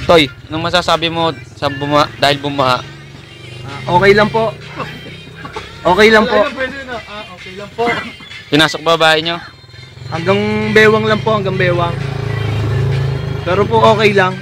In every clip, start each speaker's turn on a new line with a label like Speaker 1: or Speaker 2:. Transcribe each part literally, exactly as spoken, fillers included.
Speaker 1: Toy, anong masasabi mo sa buma dahil bumaha?
Speaker 2: Uh, okay lang po. Okay lang po.
Speaker 3: Ah, okay lang po.
Speaker 1: Pinasok ba bahay nyo?
Speaker 2: Hanggang bewang lang po, hanggang bewang. Pero po okay lang.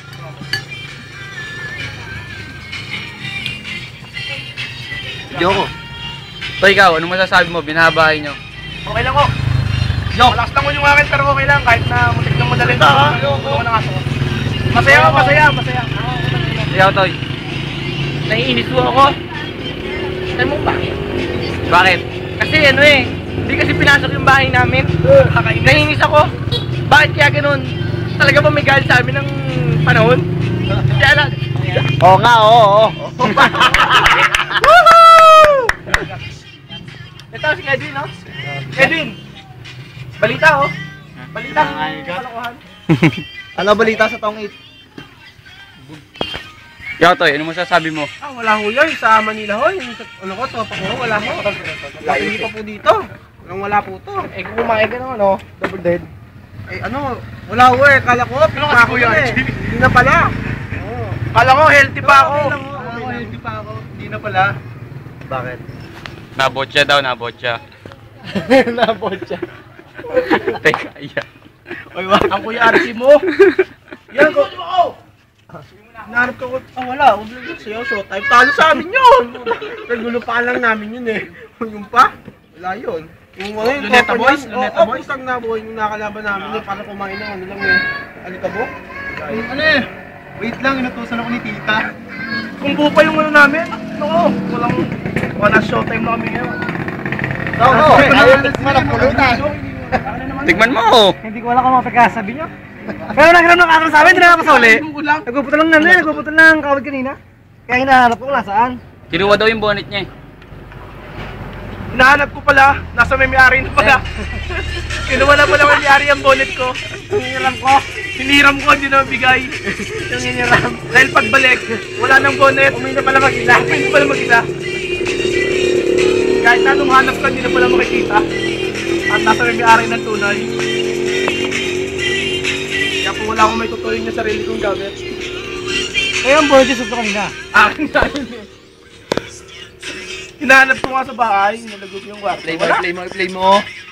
Speaker 2: Joko.
Speaker 1: Toy, ikaw, anong masasabi mo? Binabahay nyo?
Speaker 3: Okay lang ko. Yo, malakas lang yung akin pero okay lang kahit na muntik nang madalhin ko. Ano na aso. Masaya ako, masaya, masaya.
Speaker 1: Ikaw, Toy.
Speaker 3: Naiinis po ako. Alam mo ba?
Speaker 1: Bakit?
Speaker 3: Kasi ano eh, hindi kasi pinasok yung bahay namin. Naiinis ako. Bakit kaya ganun? Talaga ba may galit sa amin ng panahon? Kaya lang.
Speaker 2: Oo nga, oo, oo.
Speaker 3: Ito si Edwin, no? Edwin! Balita, oh. Balita. Kalokohan.
Speaker 2: Ano balita sa taong eight?
Speaker 1: Ikaw, Toy, anong masasabi mo?
Speaker 3: Ah, wala ho yun. Sa Manila ho. Yung sa, ano ko, tropa ko, wala ho. Hindi pa po dito. Walang wala po to. Eh, kung kumain ka naman, oh. Double dead. Eh, ano, wala ho eh. Kala ko,
Speaker 2: Ano kasi kuya,
Speaker 3: eh. Hindi na pala. Oh. Kala ko, healthy pa ako. Kala ko, healthy pa ako. Hindi na pala.
Speaker 2: Bakit?
Speaker 1: Nabotya daw, nabotya.
Speaker 3: Nabotya.
Speaker 1: Teka, iya.
Speaker 3: Oy, wag. Ang kuya Archie mo. Yan ko. Nahanap ko. Ah, wala. Huwag lang sa'yo. Showtime. Talo sa amin yun. Nagulupaan lang namin yun eh. Yung pa? Wala yun. Yung ano yung
Speaker 2: Luneta
Speaker 3: tropa
Speaker 2: Boys?
Speaker 3: niyan.
Speaker 2: Luneta
Speaker 3: Oo,
Speaker 2: Boys?
Speaker 3: pusang na boy. Yung nakalaban namin eh. Para kumain ng ano lang eh. Alikabok.
Speaker 2: Ano eh? Wait lang, inutusan ako ni tita.
Speaker 3: Kung buo pa yung ano namin. Ako. Walang. Wala showtime na kami ngayon.
Speaker 2: Oo, oo. Ayaw na sila ng pulutan.
Speaker 1: Tigman mo!
Speaker 3: Hindi ko alam kung mga pagkasabi nyo. Pero nagkaroon ng akal sa amin, hindi na nakapasuli. Nagpupunta lang namin, nagpupunta lang kawad kanina. Kaya hinahanap ko kung nasaan.
Speaker 1: Kinuha daw yung bonnet niya eh.
Speaker 3: Hinahanap ko pala, nasa may may-ari na pala. Kinuha na pala may-ari ang bonnet ko. Yung hiniram ko, hiniram ko, hindi na mabigay. Yung hiniram. Dahil pagbalik, wala nang bonnet. Umay na pala mag-isa. Umay na pala mag-isa. Kahit na nung hanap ka, hindi na pala makikita. At nasa may may-ari ng tunay. Kaya po wala akong may tutuloy na sarili kong gamit. Eh, ang bonnet yung kanina. Akin na yun eh. Hinahanap ko nga sa bahay, nalagog yung kwarto.
Speaker 2: Play mo, play mo, play mo.